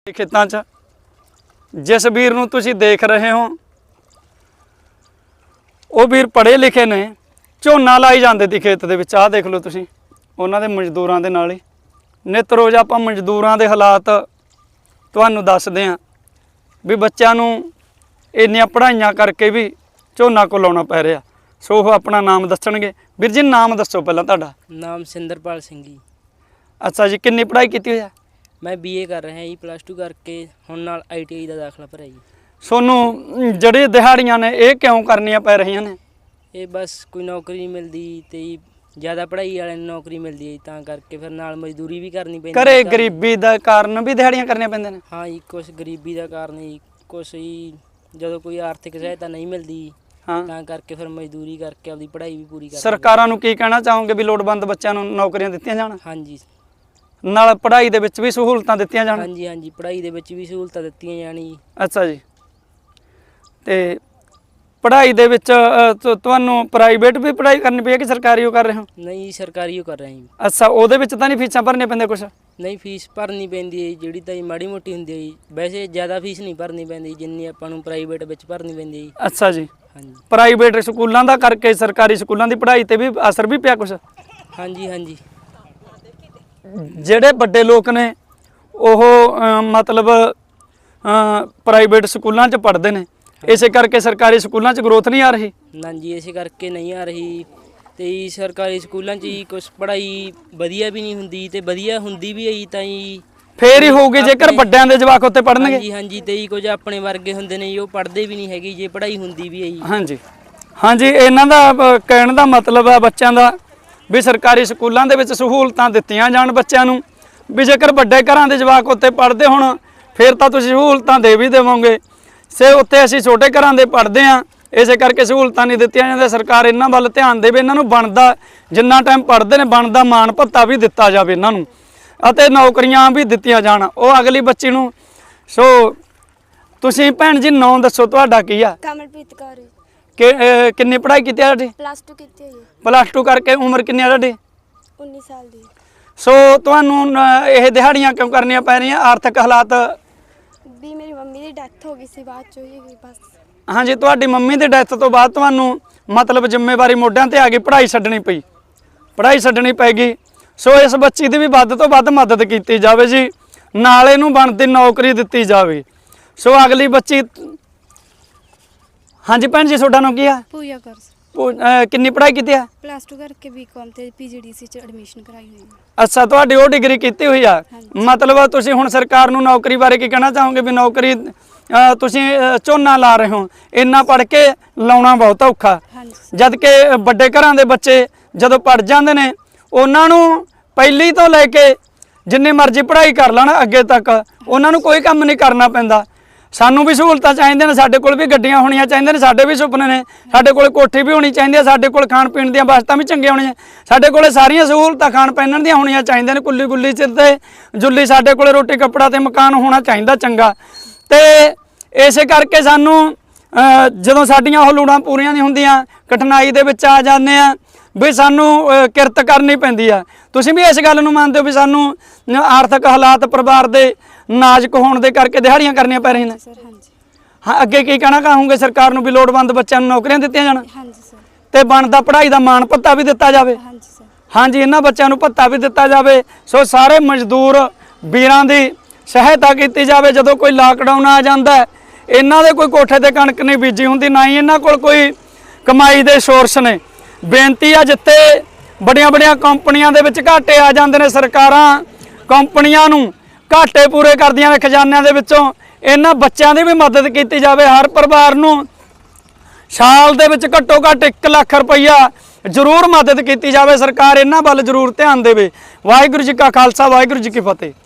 खेतां 'च जिस वीर नूं तुसीं देख रहे हो वो वीर पढ़े लिखे ने, झोना लाई जाते थे खेत दे विच। आह देख लो तुसीं उन्हां दे मजदूरां दे नाल ही नित रोज़ आपां मजदूरां दे हालात तुहानूं दसदे हां भी बच्चों नूं इन्नियां पढ़ाइयां करके भी झोना को लाउणा पै रिहा। सो वो अपना नाम दसणगे। वीर जी नाम दसो पहलां तुहाडा। नाम सिंदरपाल सिंह जी। अच्छा जी, किन्नी पढ़ाई कीती होई है? मैं BA कर रहा जी, +2 करके हुण नाल ITI का दाखला भरिया जी। सोनू जड़ी दिहाड़ियां ने ये क्यों करनियां पै रही ने? ये बस कोई नौकरी नहीं मिलती तो ज़्यादा पढ़ाई वाले नौकरी मिलती है, तां करके फिर नाल मजदूरी भी करनी पैंदी। घरे गरीबी दा कारण भी दिहाड़ियां करनियां पैंदियां ने? हाँ जी, कुछ गरीबी का कारण जी, कुछ ही जो कोई आर्थिक सहायता नहीं मिलती, हाँ, तां करके फिर मजदूरी करके अपनी पढ़ाई भी पूरी कर। सरकारां नूं की कहना चाहोगे भी लोड़वंद बच्चों नूं नौकरियां दित्तियां जाण, हाँ जी, नाल पढ़ाई दे विच भी सहूलतां दित्तियां जाण? हाँ जी, हाँ जी, पढ़ाई दे विच भी सहूलतां दित्तियां जाण जी। अच्छा जी, ते पढ़ाई दे विच तुहानूं प्राइवेट भी पढ़ाई करनी पई है कि सरकारी हो कर रहे हो? नहीं, सरकारी कर रहे हैं जी। अच्छा, ਉਹਦੇ ਵਿੱਚ ਤਾਂ ਨਹੀਂ ਫੀਸਾਂ ਭਰਨੀਆਂ ਪੈਂਦੀਆਂ ਕੁਛ? नहीं, फीस भरनी पैंदी है जिहड़ी तां माड़ी मोटी हुंदी है जी। वैसे ज़्यादा फीस नहीं भरनी पैंदी जिन्नी आपां नूं प्राइवेट विच भरनी पैंदी है जी। अच्छा जी, हाँ जी, प्राइवेट ਸਕੂਲਾਂ ਦਾ ਕਰਕੇ ਸਰਕਾਰੀ ਸਕੂਲਾਂ ਦੀ ਪੜ੍ਹਾਈ ਤੇ ਵੀ ਅਸਰ ਵੀ ਪਿਆ ਕੁਛ? हाँ जी, हाँ जी। ਜਿਹੜੇ ਵੱਡੇ ਲੋਕ ਨੇ ਉਹ ਮਤਲਬ ਪ੍ਰਾਈਵੇਟ ਸਕੂਲਾਂ 'ਚ ਪੜ੍ਹਦੇ ਨੇ, ਇਸੇ ਕਰਕੇ ਸਰਕਾਰੀ ਸਕੂਲਾਂ 'ਚ ਗਰੋਥ ਨਹੀਂ ਆ ਰਹੀ? ना जी, इसे करके नहीं आ रही ते सरकारी स्कूलों च कुछ पढ़ाई वधिया भी नहीं हुंदी ते वधिया हुंदी भी है तां ਫੇਰ ਹੀ ਹੋਊਗੀ ਜੇਕਰ ਵੱਡਿਆਂ ਦੇ ਜਵਾਕ ਉੱਤੇ हाँ ਪੜ੍ਹਨਗੇ। जी, हाँ जी, ते कुछ अपने वर्गे हुंदे ने वो पढ़दे भी नहीं हैगे जे पढ़ाई हुंदी भी है जी। ਹਾਂਜੀ ਹਾਂਜੀ, ਇਹਨਾਂ ਦਾ ਕਹਿਣ ਦਾ ਮਤਲਬ ਹੈ ਬੱਚਿਆਂ ਦਾ ਵੀ ਸਰਕਾਰੀ ਸਕੂਲਾਂ ਦੇ ਵਿੱਚ ਸਹੂਲਤਾਂ ਦਿੱਤੀਆਂ ਜਾਣ ਬੱਚਿਆਂ ਨੂੰ, ਵੀ ਜੇਕਰ ਵੱਡੇ ਘਰਾਂ ਦੇ ਜਵਾਕ ਉੱਤੇ ਪੜ੍ਹਦੇ ਹੋਣ ਫਿਰ ਤਾਂ ਤੁਸੀਂ ਸਹੂਲਤਾਂ ਦੇ ਵੀ ਦੇਵੋਗੇ, ਸੇ ਉੱਤੇ ਅਸੀਂ ਛੋਟੇ ਘਰਾਂ ਦੇ ਪੜ੍ਹਦੇ ਹਾਂ ਇਸੇ ਕਰਕੇ ਸਹੂਲਤਾਂ ਨਹੀਂ ਦਿੱਤੀਆਂ ਜਾਂਦੀਆਂ। ਸਰਕਾਰ ਇਹਨਾਂ ਵੱਲ ਧਿਆਨ ਦੇਵੇ, ਇਹਨਾਂ ਨੂੰ ਬਣਦਾ ਜਿੰਨਾ ਟਾਈਮ ਪੜ੍ਹਦੇ ਨੇ ਬਣਦਾ ਮਾਣ ਭੱਤਾ ਵੀ ਦਿੱਤਾ ਜਾਵੇ ਇਹਨਾਂ ਨੂੰ, ਅਤੇ ਨੌਕਰੀਆਂ ਵੀ ਦਿੱਤੀਆਂ ਜਾਣ ਉਹ ਅਗਲੀ ਬੱਚੀ ਨੂੰ। ਸੋ ਤੁਸੀਂ ਭੈਣ ਜੀ ਨਾਂ ਦੱਸੋ ਤੁਹਾਡਾ ਕੀ ਆ? ਕਮਲਪ੍ਰੀਤ ਕੌਰ ਜੀ। ਕਿ ਕਿੰਨੀ ਪੜ੍ਹਾਈ ਕੀਤੀ ਆ ਤੁਹਾਡੀ? +2 ਕੀਤੀ ਹੋਈ ਹੈ। +2 ਕਰਕੇ ਉਮਰ ਕਿੰਨੀ ਆ ਤੁਹਾਡੀ? 19 ਸਾਲ ਦੀ। ਸੋ ਤੁਹਾਨੂੰ ਇਹ ਦਿਹਾੜੀਆਂ ਕਿਉਂ ਕਰਨੀਆਂ ਪੈ ਰਹੀਆਂ? ਆਰਥਿਕ ਹਾਲਾਤ? ਵੀ ਮੇਰੀ ਮੰਮੀ ਦੀ ਡੈਥ ਹੋ ਗਈ ਸੀ ਬਾਅਦ ਚੋਂ ਹੀ ਬਸ। ਹਾਂਜੀ, ਤੁਹਾਡੀ ਮੰਮੀ ਦੀ ਡੈਥ ਤੋਂ ਬਾਅਦ ਤੁਹਾਨੂੰ ਮਤਲਬ ਜ਼ਿੰਮੇਵਾਰੀ ਮੋਢਿਆਂ ਤੇ ਆ ਗਈ, ਪੜ੍ਹਾਈ ਛੱਡਣੀ ਪਈ, ਪੜ੍ਹਾਈ ਛੱਡਣੀ ਪੈ ਗਈ। ਸੋ ਇਸ ਬੱਚੀ ਦੀ ਵੀ ਵੱਧ ਤੋਂ ਵੱਧ ਮਦਦ ਕੀਤੀ ਜਾਵੇ ਜੀ, ਨਾਲ ਇਹਨੂੰ ਬਣਦੀ ਨੌਕਰੀ ਦਿੱਤੀ ਜਾਵੇ। ਸੋ ਅਗਲੀ ਬੱਚੀ। ਹਾਂਜੀ ਭੈਣ ਜੀ, ਤੁਹਾਡਾ ਨਾਮ ਕੀ ਆ? ਪੂਜਾ ਕੌਰ। ਕਿੰਨੀ ਪੜ੍ਹਾਈ ਕੀਤੀ ਆ? +2 ਕਰਕੇ BCom ਤੇ PGDC ਚ ਐਡਮਿਸ਼ਨ ਕਰਾਈ ਹੋਈ ਹੈ। ਅੱਛਾ, ਤੁਹਾਡੀ ਉਹ ਡਿਗਰੀ ਕੀਤੀ ਹੋਈ ਆ। ਮਤਲਬ ਤੁਸੀਂ ਹੁਣ ਸਰਕਾਰ ਨੂੰ ਨੌਕਰੀ ਬਾਰੇ ਕੀ ਕਹਿਣਾ ਚਾਹੋਗੇ? ਵੀ ਨੌਕਰੀ ਤੁਸੀਂ ਝੋਨਾ ਲਾ ਰਹੇ ਹੋ, ਇੰਨਾ ਪੜ੍ਹ ਕੇ ਲਾਉਣਾ ਬਹੁਤ ਔਖਾ, ਜਦ ਕਿ ਵੱਡੇ ਘਰਾਂ ਦੇ ਬੱਚੇ ਜਦੋਂ ਪੜ੍ਹ ਜਾਂਦੇ ਨੇ ਉਹਨਾਂ ਨੂੰ ਪਹਿਲੀ ਤੋਂ ਲੈ ਕੇ ਜਿੰਨੀ ਮਰਜ਼ੀ ਪੜ੍ਹਾਈ ਕਰ ਲੈਣ ਅੱਗੇ ਤੱਕ ਉਹਨਾਂ ਨੂੰ ਕੋਈ ਕੰਮ ਨਹੀਂ ਕਰਨਾ ਪੈਂਦਾ। ਸਾਨੂੰ ਵੀ ਸਹੂਲਤਾਂ ਚਾਹੀਦੀਆਂ ਨੇ, ਸਾਡੇ ਕੋਲ ਵੀ ਗੱਡੀਆਂ ਹੋਣੀਆਂ ਚਾਹੀਦੀਆਂ ਨੇ, ਸਾਡੇ ਵੀ ਸੁਪਨੇ ਨੇ, ਸਾਡੇ ਕੋਲ ਕੋਠੀ ਵੀ ਹੋਣੀ ਚਾਹੀਦੀ ਹੈ, ਸਾਡੇ ਕੋਲ ਖਾਣ ਪੀਣ ਦੀਆਂ ਵਸਤਾਂ ਵੀ ਚੰਗੀਆਂ ਹੋਣੀਆਂ, ਸਾਡੇ ਕੋਲ ਸਾਰੀਆਂ ਸਹੂਲਤਾਂ ਖਾਣ ਪਹਿਨਣ ਦੀਆਂ ਹੋਣੀਆਂ ਚਾਹੀਦੀਆਂ ਨੇ, ਕੁੱਲੀ ਗੁੱਲੀ ਸਿਰ ਤੇ ਜੁੱਲੀ ਸਾਡੇ ਕੋਲ ਰੋਟੀ ਕੱਪੜਾ ਤੇ ਮਕਾਨ ਹੋਣਾ ਚਾਹੀਦਾ ਚੰਗਾ। ਤੇ ਇਸੇ ਕਰਕੇ ਸਾਨੂੰ ਜਦੋਂ ਸਾਡੀਆਂ ਉਹ ਲੋੜਾਂ ਪੂਰੀਆਂ ਨਹੀਂ ਹੁੰਦੀਆਂ ਕਠਿਨਾਈ ਦੇ ਵਿੱਚ ਆ ਜਾਂਦੇ ਆ ਵੀ ਸਾਨੂੰ ਕਿਰਤ ਕਰਨੀ ਪੈਂਦੀ ਆ। ਤੁਸੀਂ ਵੀ ਇਸ ਗੱਲ ਨੂੰ ਮੰਨਦੇ ਹੋ ਵੀ ਸਾਨੂੰ ਆਰਥਿਕ ਹਾਲਾਤ ਪਰਿਵਾਰ ਦੇ ਨਾਜ਼ੁਕ ਹੋਣ ਦੇ ਕਰਕੇ ਦਿਹਾੜੀਆਂ ਕਰਨੀਆਂ ਪੈ ਰਹੀਆਂ ਨੇ? ਸਰ ਹਾਂਜੀ। ਹਾਂ, ਅੱਗੇ ਕੀ ਕਹਿਣਾ ਚਾਹੋਗੇ ਸਰਕਾਰ ਨੂੰ? ਵੀ ਲੋੜਵੰਦ ਬੱਚਿਆਂ ਨੂੰ ਨੌਕਰੀਆਂ ਦਿੱਤੀਆਂ ਜਾਣ ਹਾਂਜੀ ਸਰ। ਤੇ ਬਣਦਾ ਪੜ੍ਹਾਈ ਦਾ ਮਾਣ ਭੱਤਾ ਵੀ ਦਿੱਤਾ ਜਾਵੇ? ਹਾਂਜੀ ਸਰ। ਹਾਂਜੀ, ਇਹਨਾਂ ਬੱਚਿਆਂ ਨੂੰ ਭੱਤਾ ਵੀ ਦਿੱਤਾ ਜਾਵੇ। ਸੋ ਸਾਰੇ ਮਜ਼ਦੂਰ ਵੀਰਾਂ ਦੀ ਸਹਾਇਤਾ ਕੀਤੀ ਜਾਵੇ। ਜਦੋਂ ਕੋਈ ਲਾਕਡਾਊਨ ਆ ਜਾਂਦਾ ਇਹਨਾਂ ਦੇ ਕੋਈ ਕੋਠੇ ਤੇ ਕਣਕ ਨਹੀਂ ਬੀਜੀ ਹੁੰਦੀ, ਨਾ ਹੀ ਇਹਨਾਂ ਕੋਲ ਕੋਈ ਕਮਾਈ ਦੇ ਸੋਰਸ ਨੇ। ਬੇਨਤੀ ਆ ਜਿੱਥੇ ਵੱਡੀਆਂ ਵੱਡੀਆਂ ਕੰਪਨੀਆਂ ਦੇ ਵਿੱਚ ਘਾਟੇ ਆ ਜਾਂਦੇ ਨੇ, ਸਰਕਾਰਾਂ ਕੰਪਨੀਆਂ ਨੂੰ ਘਾਟੇ ਪੂਰੇ ਕਰਦੀਆਂ ਨੇ ਖਜ਼ਾਨਿਆਂ ਦੇ ਵਿੱਚੋਂ, ਇਹਨਾਂ ਬੱਚਿਆਂ ਦੀ ਵੀ ਮਦਦ ਕੀਤੀ ਜਾਵੇ। ਹਰ ਪਰਿਵਾਰ ਨੂੰ ਸਾਲ ਦੇ ਵਿੱਚ ਘੱਟੋ ਘੱਟ 1 ਲੱਖ ਰੁਪਈਆ ਜ਼ਰੂਰ ਮਦਦ ਕੀਤੀ ਜਾਵੇ। ਸਰਕਾਰ ਇਹਨਾਂ ਵੱਲ ਜ਼ਰੂਰ ਧਿਆਨ ਦੇਵੇ। ਵਾਹਿਗੁਰੂ ਜੀ ਕਾ ਖਾਲਸਾ, ਵਾਹਿਗੁਰੂ ਜੀ ਕੀ ਫਤਿਹ।